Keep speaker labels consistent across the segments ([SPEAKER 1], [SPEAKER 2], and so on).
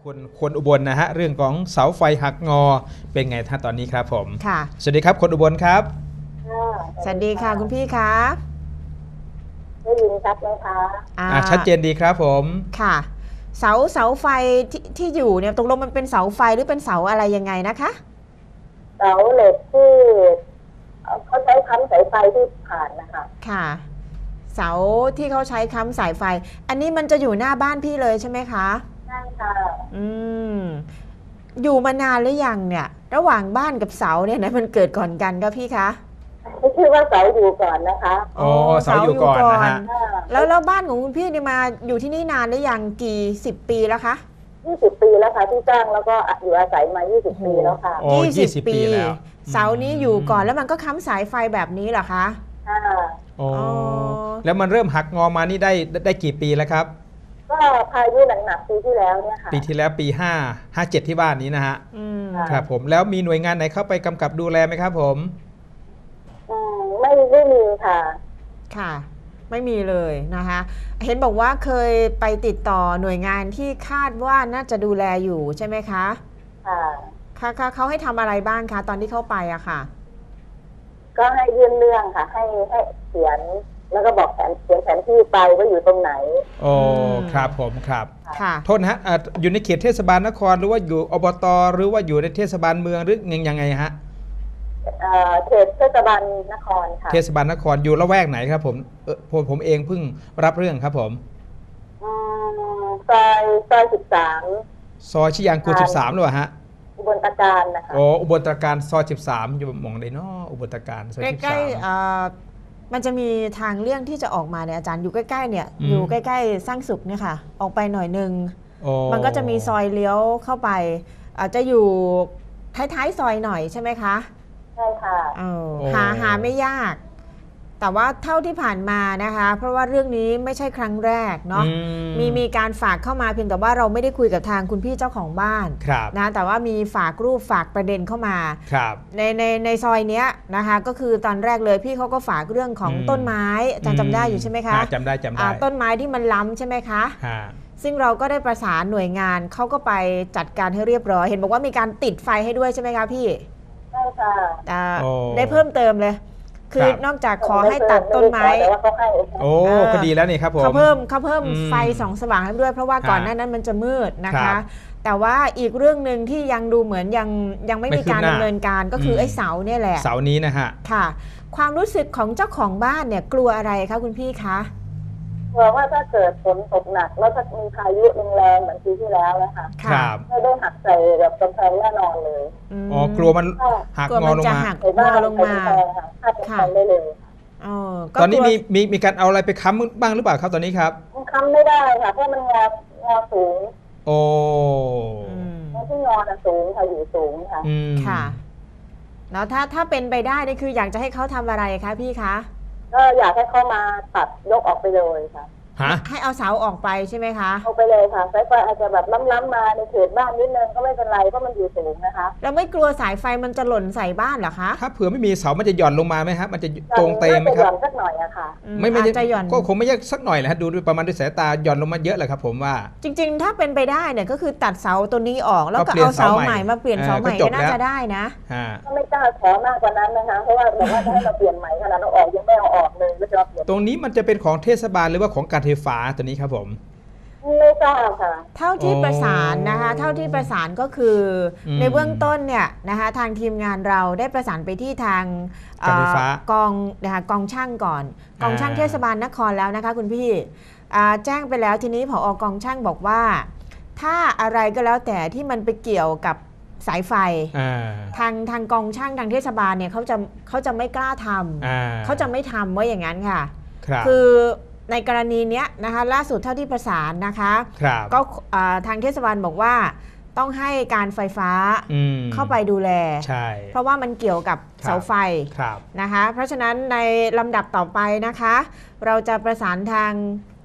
[SPEAKER 1] คุณคนอุบลนะฮะเรื่องของเสาไฟหักงอเป็นไงท่านตอนนี้ครับผม
[SPEAKER 2] ค่ะ
[SPEAKER 1] สวัสดีครับคนอุบลครับ
[SPEAKER 2] สวัสดีค่ะคุณพี่คะ
[SPEAKER 3] ได้ยินชัดไหมคะ
[SPEAKER 1] ชัดเจนดีครับผม
[SPEAKER 2] ค่ะเสาไฟที่อยู่เนี่ยตกลงมันเป็นเสาไฟหรือเป็นเสาอะไรยังไงนะคะ
[SPEAKER 3] เสาเหล็กที่เขาใช้ค้ำสายไฟที่ผ่านนะคะ
[SPEAKER 2] ค่ะเสาที่เขาใช้ค้ำสายไฟอันนี้มันจะอยู่หน้าบ้านพี่เลยใช่ไหมคะ
[SPEAKER 3] ใช่ค่ะ
[SPEAKER 2] อยู่มานานหรือยังเนี่ยระหว่างบ้านกับเสาเนี่ยนะมันเกิดก่อนกันก็พี่คะ
[SPEAKER 3] ไม่ชื่อว่าเสาอยู่ก่อนนะคะ
[SPEAKER 1] อ๋อเสาอยู่ก่อนนะฮะ
[SPEAKER 2] แล้วบ้านของคุณพี่เนี่ยมาอยู่ที่นี่นานหรือยังกี่10 ปีแล้วคะ
[SPEAKER 3] 20 ปีแล้วค่ะที่สร้างแล้วก็อยู่อาศัยมา20 ปีแล้วค่ะ
[SPEAKER 1] 20 ปีแล้ว
[SPEAKER 2] เสานี้อยู่ก่อนแล้วมันก็ค้ำสายไฟแบบนี้เหรอคะ
[SPEAKER 3] ค่ะ
[SPEAKER 1] อ๋อแล้วมันเริ่มหักงอมานี่ได้กี่ปีแล้วครับ
[SPEAKER 3] ก็พายุหนักๆปีที่แล้วเนี่ยค่ะ
[SPEAKER 1] ปีที่แล้วปี57ที่บ้านนี้นะฮะครับผมแล้วมีหน่วยงานไหนเข้าไปกำกับดูแลไหมครับผม
[SPEAKER 3] ไม่มีค่ะ
[SPEAKER 2] ค่ะไม่มีเลยนะคะเห็นบอกว่าเคยไปติดต่อหน่วยงานที่คาดว่าน่าจะดูแลอยู่ใช่ไหมคะค่ะเขาให้ทำอะไรบ้างคะตอนที่เข้าไปอะค่ะ
[SPEAKER 3] ก็ให้ยื่นเรื่องค่ะให้เขียนแล้วก็บอกเขียนแผนที่ไปว่าอยู่ตรงไหน
[SPEAKER 1] โอ้ครับผมครับ
[SPEAKER 2] ค่ะ
[SPEAKER 1] โทษนะฮะอยู่ในเขตเทศบาลนครหรือว่าอยู่อบตหรือว่าอยู่ในเทศบาลเมืองหรือยังไงฮะ
[SPEAKER 3] เขตเทศบาลนครค่ะ
[SPEAKER 1] เทศบาลนครอยู่ละแวกไหนครับผมเองเพิ่งรับเรื่องครับผม
[SPEAKER 3] ซอย13
[SPEAKER 1] ซอยชิยางกู13หรือเปล่าฮะ
[SPEAKER 3] อุบลตการนะคะ
[SPEAKER 1] โอ้อุบลตการซอย13อยู่หม่องใดเนาะอุบลตการซอย13
[SPEAKER 2] ใกล้ๆมันจะมีทางเลี่ยงที่จะออกมาเนี่ยอาจารย์อยู่ใกล้ๆเนี่ยอยู่ใกล้ๆสร้างสุขเนี่ยค่ะออกไปหน่อยนึงมันก็จะมีซอยเลี้ยวเข้าไปอาจจะอยู่ท้ายๆซอยหน่อยใช่ไหมคะ
[SPEAKER 3] ใช่ค่ะ
[SPEAKER 2] หาไม่ยากแต่ว่าเท่าที่ผ่านมานะคะเพราะว่าเรื่องนี้ไม่ใช่ครั้งแรกเนาะมีการฝากเข้ามาเพียงแต่ว่าเราไม่ได้คุยกับทางคุณพี่เจ้าของบ้านนะแต่ว่ามีฝากรูปฝากประเด็นเข้ามาในซอยเนี้ยนะคะก็คือตอนแรกเลยพี่เขาก็ฝากเรื่องของต้นไม้อาจารย์จำได้อยู่ใช่ไหมคะ
[SPEAKER 1] จำได้
[SPEAKER 2] ต้นไม้ที่มันล้ำใช่ไหมคะซึ่งเราก็ได้ประสานหน่วยงานเขาก็ไปจัดการให้เรียบร้อยเห็นบอกว่ามีการติดไฟให้ด้วยใช่ไหมคะพี่
[SPEAKER 3] ใช่ค่ะ
[SPEAKER 2] ได้เพิ่มเติมเลยคือนอกจากขอให้ตัดต้นไม้
[SPEAKER 1] โอ้ก็ดีแล้วนี่ครับผม
[SPEAKER 2] เขาเพิ่มไฟส่องสว่างให้ด้วยเพราะว่าก่อนหน้านั้นมันจะมืดนะคะแต่ว่าอีกเรื่องหนึ่งที่ยังดูเหมือนยังไม่มีการดำเนินการก็คือไอ้เสาเนี่ยแหละ
[SPEAKER 1] เสานี้นะฮะ
[SPEAKER 2] ค่ะความรู้สึกของเจ้าของบ้านเนี่ยกลัวอะไรคะคุณพี่คะ
[SPEAKER 3] กลัวว่าถ้าเกิดฝนตกหนักแล้วถ้ามีพายุแรงเหมือนปีที่แล้วนะคะไม่ได้หักใส่แบบกำแพงแน่นอนเลย
[SPEAKER 1] อ๋อกลัวมันหักงอลงมา
[SPEAKER 2] ค่ะ
[SPEAKER 3] ได้เลย
[SPEAKER 1] ตอนนี้มีการเอาอะไรไปค้ำบ้างหรือเปล่าครับตอนนี้ครับ
[SPEAKER 3] ค้ำไม่ได้ค่ะเพราะมันงอสูง
[SPEAKER 1] โอ้
[SPEAKER 3] ที่งอสูงค่ะอยู่สูงค่ะ
[SPEAKER 2] ค่ะแล้วถ้าเป็นไปได้นี่คืออยากจะให้เขาทำอะไรคะพี่คะ
[SPEAKER 3] ก็อยากให้เขามาตัดยกออกไปเลยค่ะ
[SPEAKER 2] ให้เอาเสาออกไปใช่ไหมคะ
[SPEAKER 3] เอาไปเลยค่ะสายไฟอาจจะแบบล้ำๆมาในเขตบ้านนิดนึงก็ไม่เป็นไรเพราะมันอยู่สูงนะคะ
[SPEAKER 2] แล้วไม่กลัวสายไฟมันจะหล่นใส่บ้านเหรอคะ
[SPEAKER 1] ถ้าเผื่อไม่มีเสามันจะหย่อนลงมาไหมครับมันจะตรงเตะไหมครับ
[SPEAKER 3] หย่อนสักหน่อยอะค่ะ
[SPEAKER 1] ไม่จะหย่อนก็คงไม่ยากสักหน่อยแหละดูประมาณด้วยสายตาหย่อนลงมาเยอะเลยครับผมว่า
[SPEAKER 2] จริงๆถ้าเป็นไปได้เนี่ยก็คือตัดเสาตัวนี้ออกแล้วก็เอาเสาใหม่มาเปลี่ยนเสาใหม่ก็น่าจะได้นะ
[SPEAKER 3] ก็ไม่กล้าขอมากกว่านั้นนะคะเพราะว่าบอกว่าให้เราเปลี่ยนใหม่ขนาดเราออกยังไม่เอาออกเลยก็จะเปลี่ยน
[SPEAKER 1] ตรงนี้มันจะเป็นของเทศบาลหรือว่าของการไฟฟ้าตัวนี้ครับผม
[SPEAKER 3] ไม่ทราบค่ะ
[SPEAKER 2] เท่าที่ประสานนะคะเท่าที่ประสานก็คือในเบื้องต้นเนี่ยนะคะทางทีมงานเราได้ประสานไปที่ทางกองนะคะกองช่างก่อนกองช่างเทศบาลนครแล้วนะคะคุณพี่แจ้งไปแล้วทีนี้ผอกองช่างบอกว่าถ้าอะไรก็แล้วแต่ที่มันไปเกี่ยวกับสายไฟทางกองช่างทางเทศบาลเนี่ยเขาจะไม่กล้าทำเขาจะไม่ทำว่าอย่างนั้นค่ะคือในกรณีนี้นะคะล่าสุดเท่าที่ประสานนะคะก็ทางเทศบาลบอกว่าต้องให้การไฟฟ้าเข้าไปดูแลเพราะว่ามันเกี่ยวกับเสาไฟนะคะเพราะฉะนั้นในลำดับต่อไปนะคะเราจะประสานทาง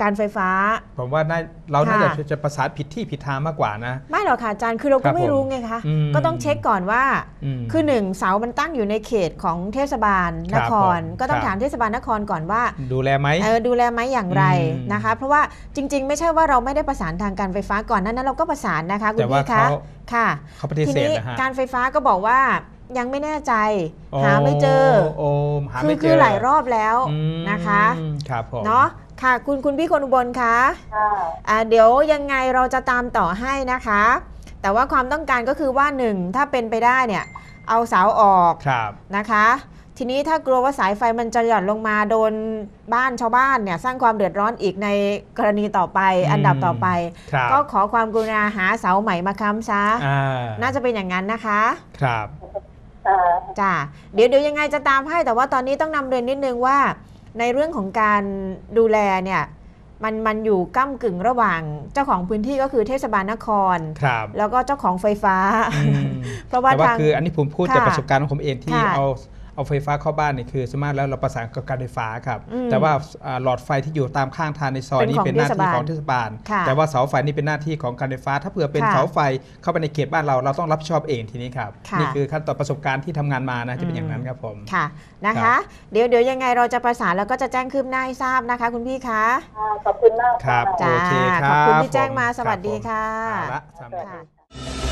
[SPEAKER 2] การไฟฟ้า
[SPEAKER 1] ผมว่าเราน่าจะประสานผิดที่ผิดทางมากกว่านะ
[SPEAKER 2] ไม่หรอกค่ะอาจารย์คือเราก็ไม่รู้ไงคะก็ต้องเช็คก่อนว่าคือ1เสามันตั้งอยู่ในเขตของเทศบาลนครก็ต้องถามเทศบาลนครก่อนว่า
[SPEAKER 1] ดูแลไหม
[SPEAKER 2] ดูแลไหมอย่างไรนะคะเพราะว่าจริงๆไม่ใช่ว่าเราไม่ได้ประสานทางการไฟฟ้าก่อนนั้นเราก็ประสานนะคะคุณพี่คะค่ะทีนี้การไฟฟ้าก็บอกว่ายังไม่แน่ใจหาไม่เจอคือหลายรอบแล้วนะคะ
[SPEAKER 1] ครับผม
[SPEAKER 2] เนาะค่ะคุณพี่คนอุบลคะเดี๋ยวยังไงเราจะตามต่อให้นะคะแต่ว่าความต้องการก็คือว่า1ถ้าเป็นไปได้เนี่ยเอาเสาออกนะคะทีนี้ถ้ากลัวว่าสายไฟมันจะหย่อนลงมาโดนบ้านชาวบ้านเนี่ยสร้างความเดือดร้อนอีกในกรณีต่อไปอันดับต่อไปก็ขอความกรุณาหาเสาใหม่มาค้ำซะน่าจะเป็นอย่างนั้นนะคะ
[SPEAKER 1] ครับ
[SPEAKER 2] จ้าเดี๋ยวยังไงจะตามให้แต่ว่าตอนนี้ต้องนำเรียนนิดนึงว่าในเรื่องของการดูแลเนี่ยมันอยู่ก้ำกึ่งระหว่างเจ้าของพื้นที่ก็คือเทศบาลนครแล้วก็เจ้าของไฟฟ้า
[SPEAKER 1] เพราะว่าคืออันนี้ผมพูดจากประสบการณ์ของผมเองที่เอาไฟฟ้าเข้าบ้านนี่คือสามารถแล้วเราประสานกับการไฟฟ้าครับแต่ว่าหลอดไฟที่อยู่ตามข้างทางในซอยนี้เป็นหน้าที่ของเทศบาลแต่ว่าเสาไฟนี่เป็นหน้าที่ของการไฟฟ้าถ้าเผื่อเป็นเสาไฟเข้าไปในเขตบ้านเราต้องรับผิดชอบเองทีนี้ครับนี่คือขั้นตอนประสบการณ์ที่ทำงานมานะจะเป็นอย่างนั้นครับผม
[SPEAKER 2] ค่ะนะคะเดี๋ยวยังไงเราจะประสานแล้วก็จะแจ้งคืบหน้าให้ทราบนะคะคุณพี่คะ
[SPEAKER 3] ขอบคุณมาก
[SPEAKER 1] ครับโอเคครับ
[SPEAKER 2] ขอบคุณที่แจ้งมาสวัสดีค่ะ